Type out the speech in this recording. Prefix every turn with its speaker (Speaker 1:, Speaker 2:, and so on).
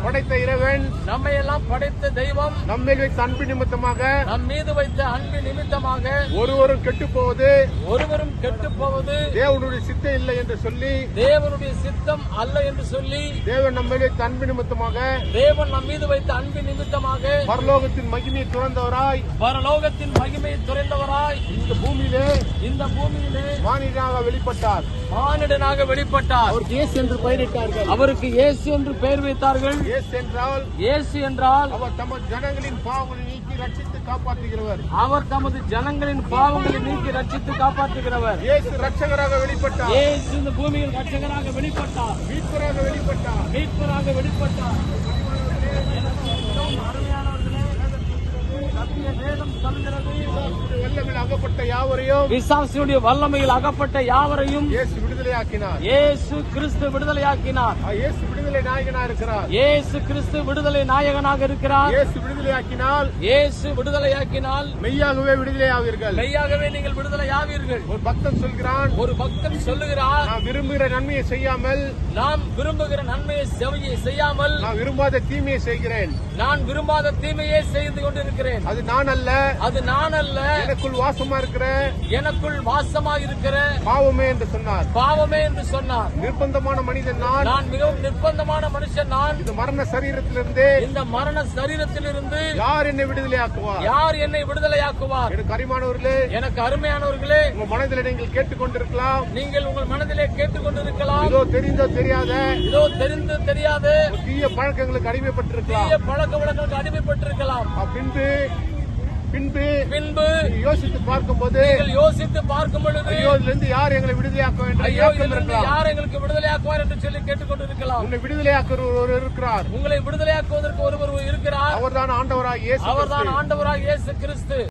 Speaker 1: படைத்த இறைவன்,
Speaker 2: நம்மை எல்லாம் படைத்த தெய்வம்,
Speaker 1: நம்மேல் வைத்த அன்பு நிமித்தமாக,
Speaker 2: நம் மீது வைத்த அன்பு நிமித்தமாக
Speaker 1: ஒருவரும் கெட்டு போவது
Speaker 2: ஒருவரும் கெட்டு போவது
Speaker 1: தேவனுடைய சித்தம் இல்லை என்று சொல்லி,
Speaker 2: தேவனுடைய சித்தம் அல்ல என்று சொல்லி,
Speaker 1: தேவன் நம்மேல் வைத்த அன்பு நிமித்தமாக,
Speaker 2: தேவன் நம் மீது வைத்த அன்பு நிமித்தமாக
Speaker 1: பரலோகத்தின் மகிமையை துறந்தவராய்,
Speaker 2: பரலோகத்தின் மகிமையை துறைந்தவராய்
Speaker 1: இந்த பூமியிலே மானிடனாக வெளிப்பட்டார்.
Speaker 2: மானிடனாக வெளிப்பட்டார்.
Speaker 1: அவருக்கு இயேசு என்று பெயரிட்டார்கள்.
Speaker 2: அவருக்கு இயேசு என்று பெயர் வைத்தார்கள்.
Speaker 1: இயேசு என்றால்
Speaker 2: அவர்
Speaker 1: தமது ஜனங்களின் பாவங்களை நீக்கி ரட்சித்து காப்பாற்றுகிறவர்.
Speaker 2: அவர் தமது ஜனங்களின் பாவங்களை நீக்கி ரட்சித்து காப்பாற்றுகிறவர்.
Speaker 1: இயேசு ரட்சகராக வெளிப்பட்டார்.
Speaker 2: இயேசு இந்த பூமியில் ரட்சகராக வெளிப்பட்டார்.
Speaker 1: மீட்பராக வெளிப்பட்டார்.
Speaker 2: மீட்பராக வெளிப்பட்டார்.
Speaker 1: வல்லமையில் அகப்பட்ட யாவரையும்,
Speaker 2: பிசாசினுடைய வல்லமையில் அகப்பட்ட யாவரையும்
Speaker 1: இயேசு விடுதலையாக்கினார்.
Speaker 2: இயேசு கிறிஸ்து விடுதலையாக்கினார்.
Speaker 1: இயேசு விடுதலை நாயகனாக இருக்கிறார்.
Speaker 2: இயேசு கிறிஸ்து விடுதலை நாயகனாக இருக்கிறார்.
Speaker 1: இயேசு விடுதலையாக்கினால்,
Speaker 2: இயேசு விடுதலையாக்கினால்
Speaker 1: மெய்யாகவே விடுதலையாவீர்கள்.
Speaker 2: மெய்யாகவே நீங்கள் விடுதலையாவீர்கள்.
Speaker 1: ஒரு பக்தன் சொல்கிறான்,
Speaker 2: ஒரு பக்தன் சொல்லுகிறார்,
Speaker 1: நான் விரும்புகிற நன்மையை செய்யாமல்,
Speaker 2: நாம் விரும்புகிற நன்மையை செய்யாமல்,
Speaker 1: நான் விரும்பாத தீமையை செய்கிறேன்.
Speaker 2: நான் விரும்பாத தீமையே செய்து கொண்டிருக்கிறேன்.
Speaker 1: அது நான் அல்ல,
Speaker 2: அது நான் அல்ல,
Speaker 1: எனக்குள் வாசமா இருக்கிற,
Speaker 2: எனக்குள் வாசமா இருக்கிற
Speaker 1: பாவமே என்று சொன்னார்.
Speaker 2: பாவமே என்று சொன்னார்.
Speaker 1: நிர்பந்தமான மனிதன் நான்,
Speaker 2: நான் மிகவும் நிர்பந்தமான மனுஷன் நான்.
Speaker 1: இந்த மரண சரீரத்திலிருந்து,
Speaker 2: இந்த மரண சரீரத்திலிருந்து
Speaker 1: யார் என்னை விடுதலையாக்குவார்?
Speaker 2: யார் என்னை விடுதலையாக்குவார்?
Speaker 1: எனக்கு அருமையானவர்களே,
Speaker 2: எனக்கு அருமையானவர்களே,
Speaker 1: உங்க மனதில் நீங்கள் கேட்டுக்கொண்டிருக்கலாம்,
Speaker 2: நீங்கள் உங்கள் மனதிலே கேட்டுக்கொண்டிருக்கலாம்,
Speaker 1: இதோ தெரிந்தோ தெரியாத,
Speaker 2: இதோ தெரிந்து தெரியாது
Speaker 1: தீய பழக்கங்களுக்கு அடிமைப்பட்டிருக்கலாம்,
Speaker 2: தீய பழக்க வழக்கங்களுக்கு அடிமைப்பட்டிருக்கலாம்.
Speaker 1: பின்பு
Speaker 2: பின்பு
Speaker 1: யோசித்து பார்க்கும்போது,
Speaker 2: நீங்கள் யோசித்து பார்க்கும் பொழுது,
Speaker 1: ஐயோ இதிலிருந்து யார் எங்களை விடுதலையாக்க வேண்டும்?
Speaker 2: ஐயோ இதிலிருந்து யார் எங்களுக்கு விடுதலையாக்குவார் என்று சொல்லி கேட்டுக்கொண்டிருக்கலாம்.
Speaker 1: உன்னை விடுதலையாக்குறவர் இருக்கிறார்.
Speaker 2: உங்களை விடுதலையாக்குவதற்கு ஒருவர் இருக்கிறார்.
Speaker 1: அவர்தான் ஆண்டவராகிய இயேசு.
Speaker 2: அவர்தான் ஆண்டவராகிய இயேசு கிறிஸ்து.